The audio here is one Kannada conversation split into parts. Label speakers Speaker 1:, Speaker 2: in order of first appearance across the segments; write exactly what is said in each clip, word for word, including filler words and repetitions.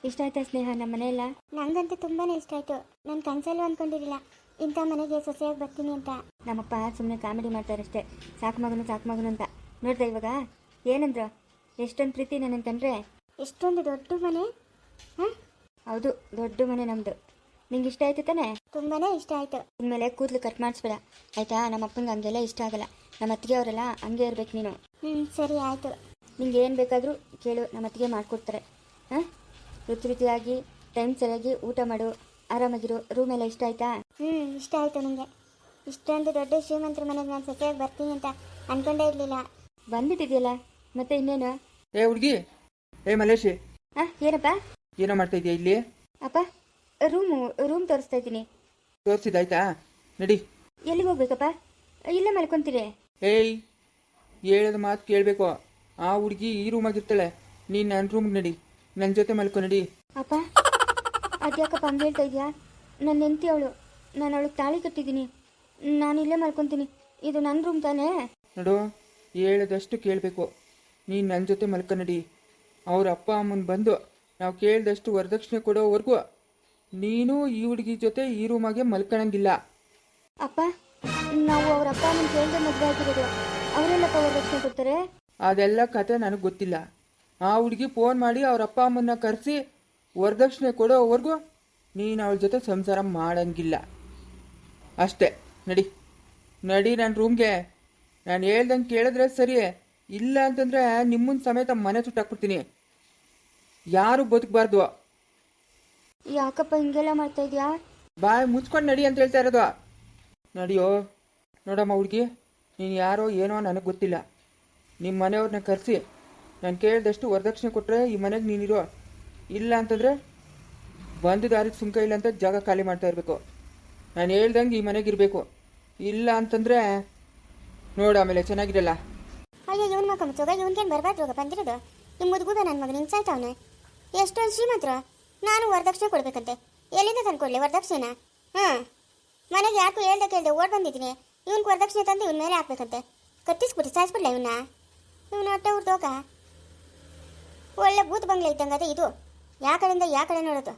Speaker 1: ಇಷ್ಟ ಆಯ್ತಾ ಸ್ನೇಹ ನಮ್ಮ ಮನೆಯಲ್ಲ?
Speaker 2: ನನಗಂತೂ ತುಂಬಾ ಇಷ್ಟ ಆಯಿತು. ನಾನು ಕನಸಲ್ಲೂ ಅಂದ್ಕೊಂಡಿರಲಿಲ್ಲ ಇಂಥ ಮನೆಗೆ ಸೊಸೆಯಾಗಿ ಬರ್ತೀನಿ ಅಂತ.
Speaker 1: ನಮ್ಮಪ್ಪ ಸುಮ್ಮನೆ ಕಾಮಿಡಿ ಮಾಡ್ತಾರಷ್ಟೇ, ಸಾಕು ಮಗನು ಸಾಕು ಮಗನು ಅಂತ. ನೋಡ್ದೆ ಇವಾಗ ಏನಂದ್ರು, ಎಷ್ಟೊಂದು ಪ್ರೀತಿ ನನಗೆ ಕಂಡ್ರೆ.
Speaker 2: ಎಷ್ಟೊಂದು ದೊಡ್ಡ ಮನೆ. ಹಾಂ
Speaker 1: ಹೌದು, ದೊಡ್ಡ ಮನೆ ನಮ್ಮದು. ನಿಂಗೆ ಇಷ್ಟ ಆಯ್ತು ತಾನೆ?
Speaker 2: ತುಂಬಾ ಇಷ್ಟ ಆಯಿತು.
Speaker 1: ಇನ್ಮೇಲೆ ಕೂದಲು ಕಟ್ ಮಾಡಿಸ್ಬೇಡ ಆಯಿತಾ? ನಮ್ಮ ಅಪ್ಪಂಗೆ ಹಂಗೆಲ್ಲ ಇಷ್ಟ ಆಗಲ್ಲ. ನಮ್ಮ ಅತ್ತಿಗೆ ಅವರೆಲ್ಲ ಹಂಗೆ ಇರ್ಬೇಕು ನೀನು.
Speaker 2: ಹ್ಞೂ ಸರಿ ಆಯಿತು.
Speaker 1: ನಿಂಗೆ ಏನು ಬೇಕಾದರೂ ಕೇಳು, ನಮ್ಮ ಅತ್ತಿಗೆ ಮಾಡಿಕೊಡ್ತಾರೆ. ಹಾಂ, ರುಚಿ ರುಚಿಯಾಗಿ ಟೈಮ್ ಸರಿಯಾಗಿ ಊಟ ಮಾಡು, ಆರಾಮಾಗಿರು. ರೂಮೆಲ್ಲ ಇಷ್ಟ ಆಯ್ತಾ?
Speaker 2: ಹ್ಞೂ ಇಷ್ಟ ಆಯಿತು ನನಗೆ. ಇಷ್ಟೊಂದು ದೊಡ್ಡ ಶ್ರೀಮಂತರ ಮನೆಗೆ ನಾನು ಸೊಸೆಯಾಗಿ ಬರ್ತೀನಿ ಅಂತ ಅಂದ್ಕೊಂಡೇ ಇರಲಿಲ್ಲ.
Speaker 1: ಬಂದ್ಬಿಟ್ಟಿದೆಯಲ್ಲ, ಮತ್ತೆ ಇನ್ನೇನು?
Speaker 3: ಏ ಹುಡುಗಿ, ಏ ಮಲೇಶಿ,
Speaker 1: ಹಾಂ ಏನಪ್ಪ?
Speaker 3: ಏನೋ ಮಾಡ್ತಾ ಇದೀಯ ಇಲ್ಲಿ?
Speaker 1: ಅಪ್ಪ, ರೂಮು ರೂಮ್ ತೋರಿಸ್ತಾ ಇದ್ದೀನಿ.
Speaker 3: ತೋರಿಸಿದಾಯ್ತಾ? ನಡಿ.
Speaker 1: ಎಲ್ಲಿಗೆ ಹೋಗ್ಬೇಕಪ್ಪ? ಇಲ್ಲೇ ಮಲ್ಕೊಂತೀರಿ?
Speaker 3: ಏಯ್, ಹೇಳೋದು ಮಾತು ಕೇಳಬೇಕು. ಆ ಹುಡುಗಿ ಈ ರೂಮಾಗಿರ್ತಾಳೆ, ನೀನು ನನ್ನ ರೂಮ್ಗೆ ನಡಿ, ನನ್ನ ಜೊತೆ ಮಲ್ಕೊ ನಡಿ.
Speaker 1: ಅಪ್ಪ ಅದ್ಯಾಕಪ್ಪ ಹಂಗೆ ಹೇಳ್ತಾ ಇದೆಯಾ? ನನ್ನ ಹೆಂಡತಿ ಅವಳು, ನಾನು ಅವಳಿಗೆ ತಾಳಿ ಕಟ್ಟಿದ್ದೀನಿ. ನಾನು ಇಲ್ಲೇ ಮಲ್ಕೊತೀನಿ. ಇದು ನನ್ನ ರೂಮ್ ತಾನೇ?
Speaker 3: ನೋಡು, ಹೇಳೋದಷ್ಟು ಕೇಳಬೇಕು. ನೀನು ನನ್ನ ಜೊತೆ ಮಲ್ಕೊ ನಡಿ. ಅವ್ರ ಅಪ್ಪ ಅಮ್ಮನ ಬಂದು ನಾವು ಕೇಳಿದಷ್ಟು ವರದಕ್ಷಿಣೆ ಕೊಡೋವರೆಗೂ ನೀನು ಈ ಹುಡುಗಿ ಜೊತೆ ಈ ರೂಮಾಗೆ ಮಲ್ಕೊಳಂಗಿಲ್ಲ.
Speaker 1: ಅಪ್ಪ, ನಾವು ಅವ್ರ ಅಪ್ಪ ಅಮ್ಮನ ಕೇಳಿದೆ ಮದುವೆ ಆಗಿರೋದು. ಅವರೆಲ್ಲಪ್ಪ ವರದಕ್ಷಿಣೆ ಕೊಡ್ತಾರೆ?
Speaker 3: ಅದೆಲ್ಲ ಕತೆ ನನಗೆ ಗೊತ್ತಿಲ್ಲ. ಆ ಹುಡುಗಿ ಫೋನ್ ಮಾಡಿ ಅವ್ರ ಅಪ್ಪ ಅಮ್ಮನ್ನ ಕರೆಸಿ ವರದಕ್ಷಿಣೆ ಕೊಡೋವರೆಗೂ ನೀನು ಅವಳ ಜೊತೆ ಸಂಸಾರ ಮಾಡಂಗಿಲ್ಲ. ಅಷ್ಟೇ, ನಡಿ ನಡಿ ನನ್ನ ರೂಮ್ಗೆ. ನಾನು ಹೇಳ್ದಂಗೆ ಕೇಳಿದ್ರೆ ಸರಿ, ಇಲ್ಲ ಅಂತಂದರೆ ನಿಮ್ಮನ್ನ ಸಮೇತ ಮನೆ ಸುಟ್ಟಾಕ್ಬಿಡ್ತೀನಿ. ಯಾರು ಬದುಕಬಾರ್ದು.
Speaker 1: ಯಾಕಪ್ಪ ಹಿಂಗೆಲ್ಲ ಮಾಡ್ತಾ ಇದೆಯಾ?
Speaker 3: ಬಾಯ್ ಮುಚ್ಕೊಂಡು ನಡಿ ಅಂತ ಹೇಳ್ತಾ ಇರೋದು. ನಡಿಯೋ. ನೋಡಮ್ಮ ಹುಡುಗಿ, ನೀನು ಯಾರೋ ಏನೋ ನನಗೆ ಗೊತ್ತಿಲ್ಲ. ನಿಮ್ಮ ಮನೆಯವ್ರನ್ನ ಕರೆಸಿ ನಾನು ಕೇಳಿದಷ್ಟು ವರದಕ್ಷಿಣೆ ಕೊಟ್ಟರೆ ಈ ಮನೆಗೆ ನೀನಿರೋ, ಇಲ್ಲ ಅಂತಂದರೆ ಬಂದು ದಾರಿಗೆ ಸುಂಕ ಇಲ್ಲ ಅಂತ ಜಾಗ ಖಾಲಿ ಮಾಡ್ತಾ ಇರಬೇಕು. ನಾನು ಹೇಳ್ದಂಗೆ ಈ ಮನೆಗೆ ಇರಬೇಕು. ಇಲ್ಲ ಅಂತಂದರೆ ನೋಡು ಆಮೇಲೆ ಚೆನ್ನಾಗಿರಲ್ಲ.
Speaker 2: ಅಯ್ಯೋ ಇವನ್ ಮಕ್ಕ ಮುಚ್ಚೋಗ, ಇವನ್ಗೇನು ಬರಬಾರ್ದು ಹೋಗ ಬಂದಿರೋದು. ನಿಮ್ಮ ಮುದುಗುಗ ನನ್ನ ಮಗನ ಹಿಂಗೆ ಸಾಯ್ತಾವನೆ. ಎಷ್ಟೊಂದು ಶ್ರೀಮಂತರು, ನಾನು ವರದಕ್ಷಿಣೆ ಕೊಡ್ಬೇಕಂತೆ. ಎಲ್ಲಿಂದ ತಂದು ಕೊಡಲಿ ವರದಕ್ಷಿಣೆನ? ಹಾಂ, ಮನೆಗೆ ಯಾಕೂ ಹೇಳ್ದೆ ಕೇಳ್ದೆ ಓಡ್ ಬಂದಿದ್ದೀನಿ. ಇವನ್ಗೆ ವರದಕ್ಷಿಣೆ ತಂದು ಇವನ ಮೇಲೆ ಹಾಕ್ಬೇಕಂತೆ. ಕಟ್ಟಿಸ್ಬಿಟ್ಟು ಸಾಯಿಸ್ಬಿಡ್ಲ ಇವನ್ನ? ಇವನ ಹೊಟ್ಟೆ ಹುಡ್ದೋಗ ಒಳ್ಳೆ ಭೂತ ಬಂಗ್ಲೆ ಇದ್ದಂಗದೆ ಇದು. ಯಾ ಕಡೆಯಿಂದ ಯಾ ಕಡೆ ನೋಡೋದು.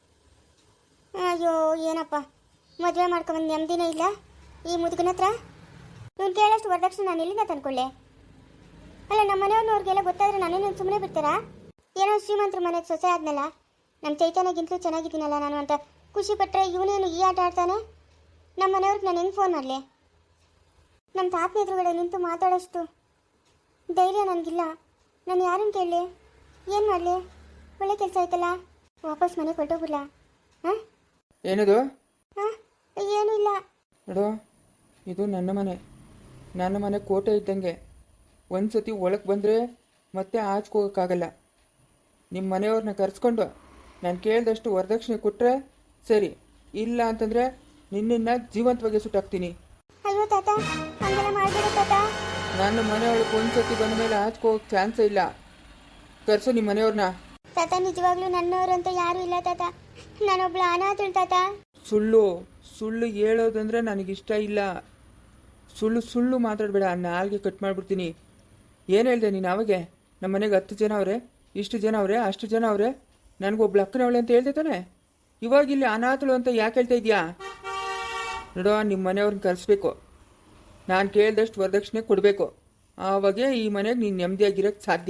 Speaker 2: ಅಯ್ಯೋ ಏನಪ್ಪ, ಮದುವೆ ಮಾಡ್ಕೊಂಬಂದು ನೆಮ್ಮದಿನೇ ಇಲ್ಲ ಈ ಮುದುಗನ ಹತ್ರ. ಇವನು ಕೇಳೋಷ್ಟು ವರದಕ್ಷಿಣೆ ನಾನು ಎಲ್ಲಿಂದ ತಂದ್ಕೊಳ್ಳೆ? ಅಲ್ಲ, ನಮ್ಮ ಮನೆಯವ್ರನ್ನವ್ರಿಗೆಲ್ಲ ಗೊತ್ತಾದ್ರೆ ನಾನೇನು ಸುಮ್ಮನೆ ಬಿಡ್ತಾರಾ? ಏನೋ ಶ್ರೀಮಂತರ ಮನೆಗೆ ಸೊಸೆ ಆದ್ನಲ್ಲ, ನಮ್ಮ ಚೈತನ್ಯಗಿಂತಲೂ ಚೆನ್ನಾಗಿದ್ದೀನಲ್ಲ ನಾನು ಅಂತ ಖುಷಿ ಪಟ್ಟರೆ ಇವನೇನು ಈ ಆಟ ಆಡ್ತಾನೆ? ನಮ್ಮ ಮನೆಯವ್ರಿಗೆ ನಾನು ಹೆಂಗೆ ಫೋನ್ ಮಾಡಲಿ? ನಮ್ಮ ತಾತನ ಎದುರುಗಡೆ ನಿಂತು ಮಾತಾಡೋಷ್ಟು ಧೈರ್ಯ ನನಗಿಲ್ಲ. ನಾನು ಯಾರನ್ನು ಕೇಳಲಿ? ಏನು ಮಾಡಲಿ? ಒಳ್ಳೆ ಕೆಲಸ ಆಯ್ತಲ್ಲ, ವಾಪಸ್ ಮನೆಗೆ ಹೊರಟೋಗ್ಬಿಡ್ಲಾ? ಹಾಂ
Speaker 3: ಏನದು?
Speaker 2: ಹಾಂ ಏನೂ ಇಲ್ಲ.
Speaker 3: ನೋಡು, ಇದು ನನ್ನ ಮನೆ. ನನ್ನ ಮನೆ ಕೋಟೆ ಇದ್ದಂಗೆ. ಒಂದು ಸತಿ ಒಳಗೆ ಬಂದರೆ ಮತ್ತೆ ಆಚ್ಕೋಗೋಕ್ಕಾಗಲ್ಲ. ನಿಮ್ಮ ಮನೆಯವ್ರನ್ನ ಕರೆಸ್ಕೊಂಡು ನಾನು ಕೇಳಿದಷ್ಟು ವರದಕ್ಷಿಣೆ ಕೊಟ್ಟರೆ ಸರಿ, ಇಲ್ಲ ಅಂತಂದರೆ ನಿನ್ನನ್ನು ಜೀವಂತವಾಗಿ ಸುಟ್ಟಾಕ್ತೀನಿ.
Speaker 2: ಅಯ್ಯೋ ತಾತ, ಹಂಗೆಲ್ಲ ಮಾಡಬೇಡ ತಾತ.
Speaker 3: ನನ್ನ ಮನೆಯೊಳಗೆ ಒಂದು ಸತಿ ಬಂದ ಮೇಲೆ ಆಚ್ಕೋಗೋಕ್ಕೆ ಚಾನ್ಸೇ ಇಲ್ಲ. ಕರೆಸು ನಿಮ್ಮ ಮನೆಯವ್ರನ್ನ.
Speaker 2: ತಾತ ನಿಜವಾಗ್ಲೂ ನನ್ನವರು ಅಂತ ಯಾರೂ ಇಲ್ಲ ತಾತ. ನಾನೊಬ್ಳು ಅನಾಥಳು ತಾತ.
Speaker 3: ಸುಳ್ಳು ಸುಳ್ಳು ಹೇಳೋದಂದ್ರೆ ನನಗಿಷ್ಟ ಇಲ್ಲ. ಸುಳ್ಳು ಸುಳ್ಳು ಮಾತಾಡಬೇಡ, ನಾಲ್ಗೆ ಕಟ್ ಮಾಡಿಬಿಡ್ತೀನಿ. ಏನು ಹೇಳಿದೆ ನೀನು ಅವಾಗೆ? ನಮ್ಮ ಮನೆಗೆ ಹತ್ತು ಜನ ಅವರೇ, ಇಷ್ಟು ಜನ ಅವರೇ, ಅಷ್ಟು ಜನ ಅವರೇ, ನನಗೊಬ್ಳು ಅಕ್ಕನವಳೆ ಅಂತ ಹೇಳ್ದೆ ತಾನೆ? ಇವಾಗ ಇಲ್ಲಿ ಅನಾಥಳು ಅಂತ ಯಾಕೆ ಹೇಳ್ತಾ ಇದೆಯಾ? ನೋಡೋ, ನಿಮ್ಮ ಮನೆಯವ್ರನ್ನ ಕರೆಸ್ಬೇಕು. ನಾನು ಕೇಳಿದಷ್ಟು ವರದಕ್ಷಿಣೆ ಕೊಡಬೇಕು. ಆವಾಗೇ ಈ ಮನೆಗೆ ನೀನು ನೆಮ್ಮದಿಯಾಗಿರೋಕ್ಕೆ ಸಾಧ್ಯ.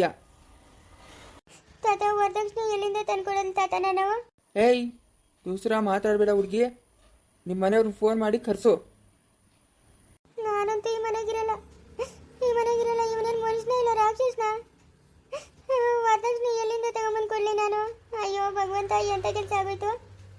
Speaker 2: ತಾತ, ವರದಕ್ಷಿಣೆ ಎಲ್ಲಿಂದ ತಂದ್ಕೊಡೋದು ತಾತ ನಾನು?
Speaker 3: ಏಯ್, ದೂಸರ ಮಾತಾಡಬೇಡ ಹುಡುಗಿ. ನಿಮ್ಮ ಮನೆಯವ್ರನ್ನ ಫೋನ್ ಮಾಡಿ ಕರೆಸು.
Speaker 2: ನಾನಂತೂ ಈ ಮನೆಗಿರಲ್ಲ, ಈ ಮನೆಗಿರಲ್ಲ. ಇವನೇನು ಮನುಷ್ಯನ ಇಲ್ಲ ರಾಕ್ಷಸನ? ವರದಕ್ಷಿಣೆ ಎಲ್ಲಿಂದ ತಗೊಂಬಂದು ಕೊಡಲಿ ನಾನು? ಅಯ್ಯೋ ಭಗವಂತ, ಎಂಥ ಕೆಲಸ ಆಗೋಯ್ತು.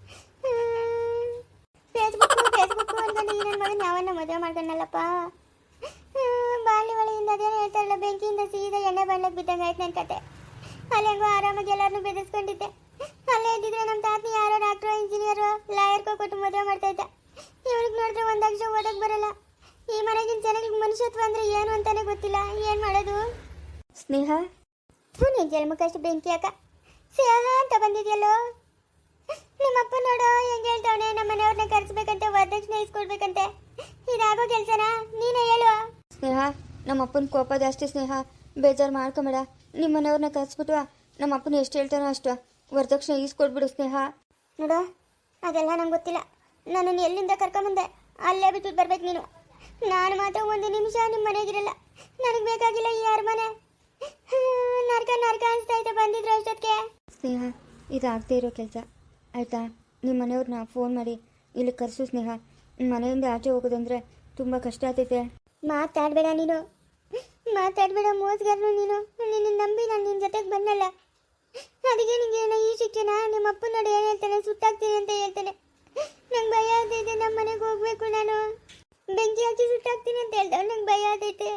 Speaker 2: ಫೇಸ್ಬುಕ್ಕು ಫೇಸ್ಬುಕ್ಕು ಅನ್ಕೊಂಡು ಈ ನನ್ನ ಮಗನ ಯಾವನ್ನ ಮದುವೆ ಮಾಡ್ಕೊಂಡಲ್ಲಪ್ಪ. ಬಾಳಿ ಒಳೆಯಿಂದ ಅದೇನೋ ಹೇಳ್ತಾರಲ್ಲ, ಬೆಂಕಿಯಿಂದ ಸೀದಾ ಎಣ್ಣೆ ಬಾಣ್ಲಕ್ಕೆ ಬಿದ್ದಂಗೆ ಆಯ್ತು ನನ್ನ ಕತೆ. ಅಲ್ಲಿ ಹೆಂಗೋ ಆರಾಮಾಗಿ ಎಲ್ಲರನ್ನೂ ಬೆದರಿಸ್ಕೊಂಡಿದ್ದೆ. ಅಲ್ಲೇ ಇದ್ದಿದ್ರೆ ನಮ್ಮ ತಾತನ ಯಾರೋ ಡಾಕ್ಟ್ರು, ಇಂಜಿನಿಯರು, ಲಾಯರ್ಕೋ ಕೊಟ್ಟು ಮದುವೆ ಮಾಡ್ತಾ ಇದ್ದೆ. ಇವಳಿಗೆ ನೋಡಿದ್ರೆ ಒಂದು ಅಕ್ಷರ ಓದಕ್ಕೆ ಬರಲ್ಲ. ಈ ಮನೆಗಿನ ಜನಗಳಿಗೆ ಮನುಷ್ಯತ್ವ ಅಂದರೆ ಏನು ಅಂತಾನೆ ಗೊತ್ತಿಲ್ಲ. ಏನು ಮಾಡೋದು?
Speaker 1: ಸ್ನೇಹ,
Speaker 2: ನೀನು ಜನ್ಮಕ್ಕಷ್ಟು ಬೆಂಕಿ ಅಕ್ಕ. ಸ್ನೇಹ ಅಂತ ಬಂದಿದೆಯಲ್ಲೋ. ನಿಮ್ಮಪ್ಪ ನೋಡೋ ಹೆಂಗೆ ಹೇಳ್ತಾವನೆ, ನಮ್ಮ ಮನೆಯವ್ರನ್ನ ಕರೆಸ್ಬೇಕಂತೆ, ವರದಕ್ಷಿಣೆ ಇಸ್ಕೊಡ್ಬೇಕಂತೆ. ಇದಾಗೋ ಕೆಲಸನಾ? ನೀನೇ ಹೇಳು.
Speaker 1: ಸ್ನೇಹ, ನಮ್ಮ ಅಪ್ಪನ ಕೋಪ ಜಾಸ್ತಿ. ಸ್ನೇಹ, ಬೇಜಾರು ಮಾಡ್ಕೊಂಬೇಡ. ನಿಮ್ಮ ಮನೆಯವ್ರನ್ನ ಕರೆಸ್ಬಿಟ್ಟು ನಮ್ಮ ಅಪ್ಪನ ಎಷ್ಟು ಹೇಳ್ತಾನೋ ಅಷ್ಟು ವರದಕ್ಷಿಣೆ ಈಸ್ಕೊಟ್ಬಿಡು ಸ್ನೇಹ.
Speaker 2: ನೋಡು ಅದೆಲ್ಲ ನಂಗೆ ಗೊತ್ತಿಲ್ಲ. ನನ್ನನ್ನು ಎಲ್ಲಿಂದ ಕರ್ಕೊಂಬಂದೆ ಅಲ್ಲೇ ಬಿಟ್ಬಿಟ್ಟು ಬರ್ಬೇಕು ನೀನು. ನಾನು ಮಾತ್ರ ಒಂದು ನಿಮಿಷ ನಿಮ್ಮ ಮನೆಗಿರಲ್ಲ. ನನಗೆ ಬೇಕಾಗಿಲ್ಲ ಈ ಅರಮನೆ. ನರ್ಕ ನರ್ಕ ಅನಿಸ್ತಾ ಐತೆ ಬಂದಿದ್ರು ಅಷ್ಟೊತ್ತಿಗೆ.
Speaker 1: ಸ್ನೇಹ, ಇದಾಗದೇ ಇರೋ ಕೆಲಸ ಆಯಿತಾ? ನಿಮ್ಮ ಮನೆಯವ್ರನ್ನ ಫೋನ್ ಮಾಡಿ ಇಲ್ಲಿ ಕರೆಸು ಸ್ನೇಹ. ಮನೆಯಿಂದ ಆಚೆ ಹೋಗೋದಂದ್ರೆ ತುಂಬ ಕಷ್ಟ ಆಗ್ತೈತೆ.
Speaker 2: ಮಾತಾಡಬೇಡ ನೀನು, ಮಾತಾಡಬೇಡ ಮೋಸ್ಗಾರನು ನೀನು. ನಿನ್ನ ನಂಬಿ ನಾನು ನಿನ್ನ ಜೊತೆಗೆ ಬಂದಲ್ಲ, ಅದಕ್ಕೆ ನಿಂಗೆ ಏನೋ ಈ ಶಿಕ್ಷಣ. ನಿಮ್ಮ ಅಪ್ಪ ನೋಡಿ ಏನು ಹೇಳ್ತಾನೆ, ಸುಟ್ಟಾಗ್ತೀನಿ ಅಂತ ಹೇಳ್ತಾನೆ. ನಂಗೆ ಭಯ ಆಗ್ತೈತೆ. ನಮ್ಮ ಮನೆಗೆ ಹೋಗ್ಬೇಕು. ನಾನು ಬೆಂಕಿ ಹಚ್ಚಿ ಸುಟ್ಟಾಗ್ತೀನಿ ಅಂತ ಹೇಳ್ತಾವೆ. ನಂಗೆ ಭಯ ಆಗ್ತೈತೆ.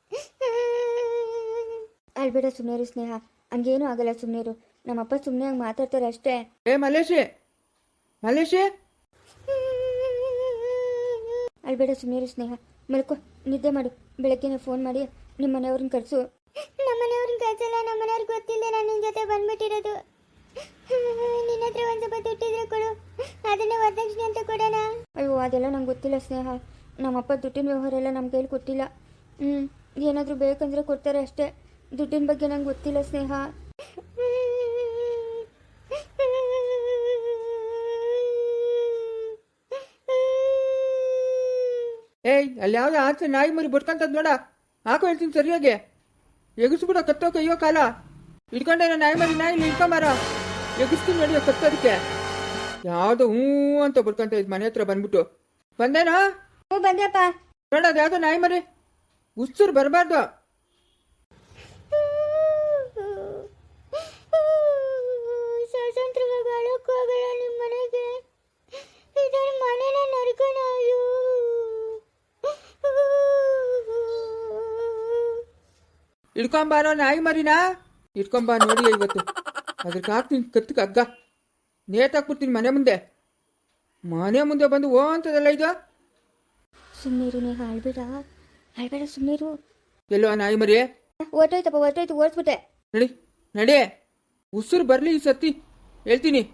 Speaker 1: ಅಳ್ಬೇಡ, ಸುಮ್ಮನೆ ಸ್ನೇಹ. ಹಂಗೇನೂ ಆಗಲ್ಲ, ಸುಮ್ಮನೆ. ನಮ್ಮಪ್ಪ ಸುಮ್ಮನೆ ಹಂಗೆ ಮಾತಾಡ್ತಾರೆ ಅಷ್ಟೇ.
Speaker 3: ಏ ಮಲೇಶಿ, ಮಲೇಶಿ,
Speaker 1: ಅಳ್ಬೇಡ, ಸುಮ್ಮನೆ ಸ್ನೇಹ. ಮಲ್ಕೋ, ನಿದ್ದೆ ಮಾಡು. ಬೆಳಗ್ಗೆನೇ ಫೋನ್ ಮಾಡಿ ನಿಮ್ಮ ಮನೆಯವ್ರನ್ನ ಕರೆಸು.
Speaker 2: ನಮ್ಮ ಮನೆಯವ್ರನ್ನ ಕಳ್ಸಲ್ಲ. ನಮ್ಮ ಮನೆಯವ್ರಿಗೆ ಗೊತ್ತಿಲ್ಲ ನಾನು ನಿನ್ನ ಜೊತೆ ಬಂದ್ಬಿಟ್ಟಿರೋದು. ನಿನ್ನ ಹತ್ರ ಒಂದು ಸ್ವಲ್ಪ ದುಡ್ಡಿದ್ರೆ ಕೊಡು, ಅದನ್ನೇ ವರದಕ್ಷಿಣೆ ಅಂತ ಕೊಡೋಣ.
Speaker 1: ಅಯ್ಯೋ, ಅದೆಲ್ಲ ನಂಗೆ ಗೊತ್ತಿಲ್ಲ ಸ್ನೇಹ. ನಮ್ಮಪ್ಪ ದುಡ್ಡಿನ ವ್ಯವಹಾರ ಎಲ್ಲ ನಮ್ಮ ಕೈಲಿ ಕೊಟ್ಟಿಲ್ಲ. ಹ್ಞೂ ಏನಾದರೂ ಬೇಕಂದ್ರೆ ಕೊಡ್ತಾರೆ ಅಷ್ಟೇ. ದುಡ್ಡಿನ ಬಗ್ಗೆ ನಂಗೆ ಗೊತ್ತಿಲ್ಲ ಸ್ನೇಹ.
Speaker 3: ಏಯ್ ಅಲ್ಲಿ ಯಾವ್ದು ಆಚೆ ನಾಯಿ ಮರಿ ಬಡ್ಕಂತದ್ ನೋಡ. ಹಾಕೋ ಹೇಳ್ತೀನಿ ಸರಿಯಾಗಿ. ಎಗಿಸ್ಬಿಡ ಕತ್ತೋಕೆ ಅಯ್ಯೋ ಕಾಲ ಇಟ್ಕೊಂಡೇನ ನಾಯಿ ಮರಿ. ನಾಯಿ ಇಲ್ಲಿ ಇಟ್ಕೊಂಬಾರ, ಎಗಿಸ್ತೀನಿ ನೋಡಿ ಕತ್ತೋದಕ್ಕೆ. ಯಾವುದೋ ಹ್ಞೂ ಅಂತ ಬಡ್ಕಂತ ಇದ್ ಮನೆ ಹತ್ರ ಬಂದ್ಬಿಟ್ಟು. ಬಂದೇನಾ?
Speaker 1: ಹ್ಞೂ ಬಂದ್ಯಪ್ಪ.
Speaker 3: ನೋಡ ಅದು ಯಾವುದೋ ನಾಯಿ ಮರಿ. ಉಸ್ಸರು ಬರಬಾರ್ದು.
Speaker 2: ಸ್ವತಂತ್ರವಾಗಿ ಅಳಕ್ಕೂ ಆಗಲ್ಲ ನಿಮ್ಮ ಮನೆಗೆ. ಇದರ ಮನೆನ ನಡ್ಕೋಣ.
Speaker 3: ಇಟ್ಕೊಂಬಾರೋ ನಾಯಿ ಮರಿನಾ. ಇಟ್ಕೊಂಬಾ ನೋಡಿ ಇವತ್ತು. ಅದಕ್ಕೆ ಹಾಕ್ತೀನಿ ಕತ್ತಕ್ಕೆ ಹಗ್ಗ, ನೇತಾಕ್ಬಿಡ್ತೀನಿ ಮನೆ ಮುಂದೆ. ಮನೆ ಮುಂದೆ ಬಂದು ಓ ಅಂತದಲ್ಲ ಇದು.
Speaker 1: ಸುಮ್ಮನಿರು ನೇಹ, ಅಳ್ಬೇಡ ಅಳ್ಬೇಡ, ಸುಮ್ಮನಿರು.
Speaker 3: ಎಲ್ಲೋ ನಾಯಿ ಮರಿ?
Speaker 1: ಹೊರ್ಟೋಯ್ತಪ್ಪ, ಹೊರ್ಟೋಯ್ತು, ಓಡಿಸ್ಬಿಟ್ಟೆ.
Speaker 3: ನಡಿ ನಡಿ, ಉಸಿರು ಬರಲಿ ಈ ಸತಿ ಹೇಳ್ತೀನಿ.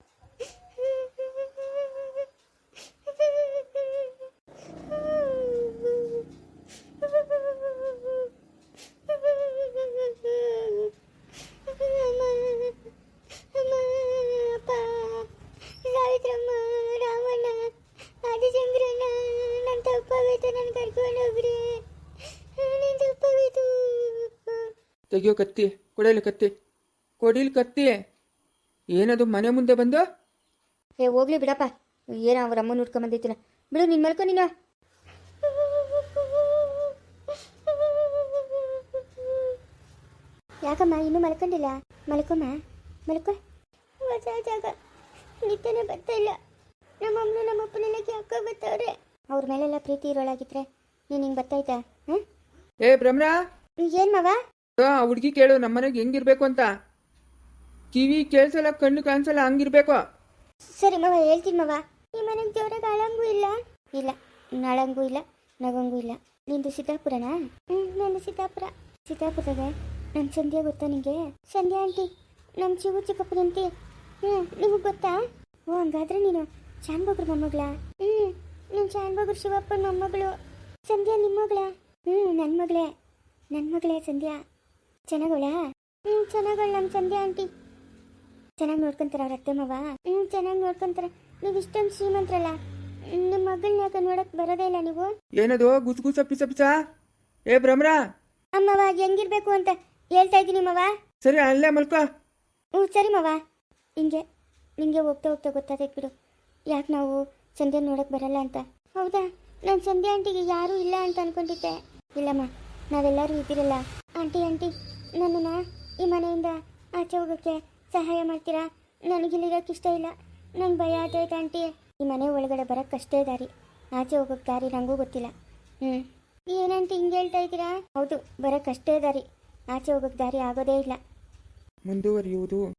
Speaker 2: ಸಾವಿತ್ರಮ್ಮ, ರಾಮಣ್ಣ, ಆದಿಚಂದ್ರಣ್ಣ, ನನ್ನ ತಪ್ಪಾಗೈತೆ, ನನ್ನ ಕರ್ಕೊಂಡು ಹೋಗ್ರಿ. ನನ್ನ ತಪ್ಪಾಗೈತು.
Speaker 3: ತೆಗಿಯೋ ಕತ್ತಿ, ಕೊಡಲಿ ಕತ್ತಿ, ಕೊಡಿಲಿ ಕತ್ತಿ. ಏನದು ಮನೆ ಮುಂದೆ ಬಂದು?
Speaker 1: ಏ ಹೋಗ್ಲಿ ಬಿಡಪ್ಪ, ಏನೋ ಅವ್ರ ಅಮ್ಮನ ಹುಡ್ಕೊಂಬಂದೈತಿನ. ಬಿಡು, ನಿನ್ನ ಮಲ್ಕೊ ನೀನು.
Speaker 2: ಯಾಕಮ್ಮ ಇನ್ನೂ ಮಲ್ಕೊಂಡಿಲ್ಲ? ಮಲ್ಕೊಮ್ಮ, ಮಲ್ಕೊ. ಹೊಸ ಜಾಗ ನಿತ್ಯನೇ ಬರ್ತಾ ಇಲ್ಲ. ನಮ್ಮಮ್ಮನ ನಮ್ಮಪ್ಪನೆಲ್ಲ ಯಾಕೋ ಬರ್ತಾವ್ರೆ. ಅವ್ರ ಮೇಲೆಲ್ಲ ಪ್ರೀತಿ ಇರೋಳಾಗಿದ್ರೆ ನೀನು ಹಿಂಗೆ ಬರ್ತಾಯ್ತಾ? ಹಾಂ
Speaker 3: ಏ ಭ್ರಮರ,
Speaker 2: ಏನು ಮವ?
Speaker 3: ಆ ಹುಡುಗಿ ಕೇಳು ನಮ್ಮನೆಗೆ ಹೆಂಗಿರ್ಬೇಕು ಅಂತ. ಕಿವಿ ಕೇಳ್ಸಲ್ಲ, ಕಣ್ಣು ಕಾಣಿಸಲ್ಲ, ಹಂಗಿರ್ಬೇಕು.
Speaker 2: ಸರಿ ಮವ, ಹೇಳ್ತೀನಿ ಮವ. ಈ ಮನೆಗೆ ಜೋರಾಗಿ ಅಳಂಗೂ ಇಲ್ಲ. ಇಲ್ಲ, ನಾಳಂಗೂ ಇಲ್ಲ, ನಗಂಗೂ ಇಲ್ಲ. ನಿಂದು ಸಿದ್ದಾಪುರನಾ? ಹ್ಞೂ, ನಂದು ಸಿದ್ದಾಪುರ. ಸಿದ್ದಾಪುರದಾಗ ನನ್ನ ಸಂಧ್ಯಾ ಗೊತ್ತಾ ನಿಂಗೆ? ಸಂಧ್ಯಾ ಆಂಟಿ, ನಮ್ಮ ಚಿವು ಚಿಕ್ಕಪ್ಪನಂತಿ. ಹ್ಞೂ, ನಿಮಗೆ ಗೊತ್ತಾ? ಓ, ಹಂಗಾದ್ರೆ ನೀನು ಶಾನ್ಭೋಗ್ರ ಮೊಮ್ಮಗಳ? ಹ್ಞೂ, ನೀನು ಶಾನ್ಭೋಗ್ರ ಶಿವಪ್ಪನ ಮೊಮ್ಮಗಳು. ಸಂಧ್ಯಾ ನಿಮ್ಮ ಮಗಳ? ಹ್ಞೂ, ನನ್ನ ಮಗಳೇ, ನನ್ನ ಮಗಳೇ ಸಂಧ್ಯಾ. ಚೆನ್ನಾಗವಳ? ಹ್ಞೂ, ಚೆನ್ನಾಗವಳ ನಮ್ಮ ಸಂಧ್ಯಾ ಆಂಟಿ. ಚೆನ್ನಾಗಿ ನೋಡ್ಕೊಂತಾರೆ ಅವ್ರ ಅತ್ತೆ ಮಾವ? ಹ್ಞೂ, ಚೆನ್ನಾಗಿ ನೋಡ್ಕೊಂತಾರೆ. ನೀವು ಇಷ್ಟೊಂದು ಶ್ರೀಮಂತರಲ್ಲ, ನಿಮ್ಮ ಮಗಳನ್ನ ಯಾಕೆ ನೋಡಕ್ ಬರೋದೇ ಇಲ್ಲ ನೀವು?
Speaker 3: ಏನದು ಗುಸ್ ಗುಸ ಪಿಸ ಪಿಸ? ಏ ಭ್ರಮರ,
Speaker 2: ಅಮ್ಮವ ಹೆಂಗಿರ್ಬೇಕು ಅಂತ ಹೇಳ್ತಾ ಇದ್ದೀನಿ ಮವ.
Speaker 3: ಸರಿ ಅಲ್ಲೇ ಮಲ್ಕೋ.
Speaker 2: ಹ್ಞೂ ಸರಿ ಮವ. ಹಿಂಗೆ ನಿಂಗೆ ಹೋಗ್ತಾ ಹೋಗ್ತಾ ಗೊತ್ತಾಗೈತೆ ಬಿಡು, ಯಾಕೆ ನಾವು ಸಂಧ್ಯಾ ನೋಡಕ್ಕೆ ಬರಲ್ಲ ಅಂತ. ಹೌದಾ? ನಾನು ಸಂಧ್ಯಾ ಆಂಟಿಗೆ ಯಾರೂ ಇಲ್ಲ ಅಂತ ಅನ್ಕೊಂಡಿದ್ದೆ. ಇಲ್ಲಮ್ಮ, ನಾವೆಲ್ಲರೂ ಇದ್ದೀರಲ್ಲ. ಆಂಟಿ ಆಂಟಿ ನನ್ನನ್ನು ಈ ಮನೆಯಿಂದ ಆಚೆ ಹೋಗೋಕ್ಕೆ ಸಹಾಯ ಮಾಡ್ತೀರಾ? ನನಗಿಲ್ಲಿರೋಕ್ಕೆ ಇಷ್ಟ ಇಲ್ಲ, ನಂಗೆ ಭಯ ಆಗ್ತೈತೆ ಆಂಟಿ. ಈ ಮನೆ ಒಳಗಡೆ ಬರೋಕ್ಕೆ ಅಷ್ಟೇ ದಾರಿ, ಆಚೆ ಹೋಗೋಕ್ಕೆ ದಾರಿ ನನಗೂ ಗೊತ್ತಿಲ್ಲ. ಹ್ಞೂ, ಏನಂತ ಹಿಂಗೆ ಹೇಳ್ತಾ ಇದ್ದೀರಾ? ಹೌದು, ಬರೋಕ್ಕೆ ಅಷ್ಟೇ ದಾರಿ, ಆಚೆ ಹೋಗೋಕ್ಕೆ ದಾರಿ ಆಗೋದೇ ಇಲ್ಲ.
Speaker 3: ಮುಂದುವರಿಯುವುದು